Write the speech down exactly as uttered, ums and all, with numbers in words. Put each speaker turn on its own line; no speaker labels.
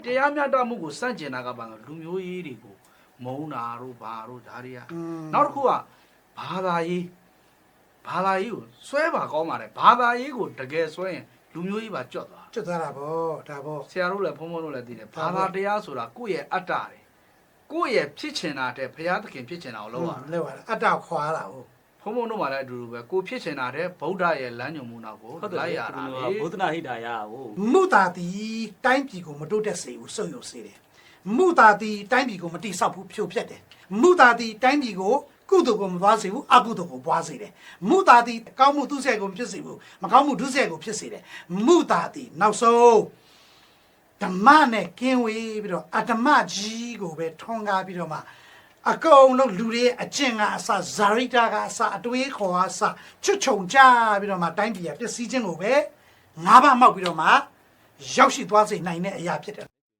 တရားမျှတမှုကိုစန့်ကျင်တာကဘာလို့လူမျိုးရေးတွေကိုမုန်းတာတို့ဘာတို့ဒါတွေကနောက်တစ်ခုကဘာသာရေးဘာသာရေးကိုဆွဲပါကောင်းပါတယ်ဘာသာရေးကိုတကယ်ဆွဲရင်လူမျိုးရေးပါကြွတ်သွား
ကျွတ်သွားတာဗောဒါဗော
ဆရာတို့လည်းဘုန်းဘုန်းတို့လည်းသိတယ်ဘာသာတရားဆိုတာကိုယ့်ရဲ့အတ္တတွေကိုယ့်ရဲ့ဖြစ်ချင်တာတဲ့ဘုရားသခင်ဖြစ်ချင်တာကိုလုပ်ရတာ
လောက်ရတာအတ္တခွာတာဟုတ်
ဘုန်းဘုန်းတို့မှလည်းအတူတူပဲကိုဖြစ်ချင်တာတဲ့ဗုဒ္ဓရဲ့လမ်းညွှန်မှုနောက်ကိုလိုက်ရတာလေ
ဘုဒ္ဓနာဟိတာရဟို
မုတာတီတိုင်းပြည်ကိုမတိုးတက်စေဘူးစုံယုံစေတယ်မုတာတီတိုင်းပြည်ကိုမတိဆောက်ဘူးဖြိုဖျက်တယ်မုတာတီတိုင်းပြည်ကိုကုသိုလ်ကိုမပွားစေဘူးအကုသိုလ်ကိုပွားစေတယ်မုတာတီကောင်းမှုသူ့ဆက်ကိုဖြစ်စေဘူးမကောင်းမှုဒုစရိုက်ကိုဖြစ်စေတယ်မုတာတီနောက်ဆုံးဓမ္မနဲ့ကင်းဝေးပြီးတော့အတ္တမကြီးကိုပဲထွန်းကားပြီးတော့မှအကုန်လုံးလူတွေအကျင့်ကအစဇာရိတာကအစအတွေးခေါ်အစချွတ်ချုံကြပြီးတော့မှတိုင်းပြည်ကပျက်စီးခြင်းကိုပဲငါးပါးမောက်ပြီးတော့မှရောက်ရှိသွားစေနိုင်တဲ့အရာဖြစ်တယ်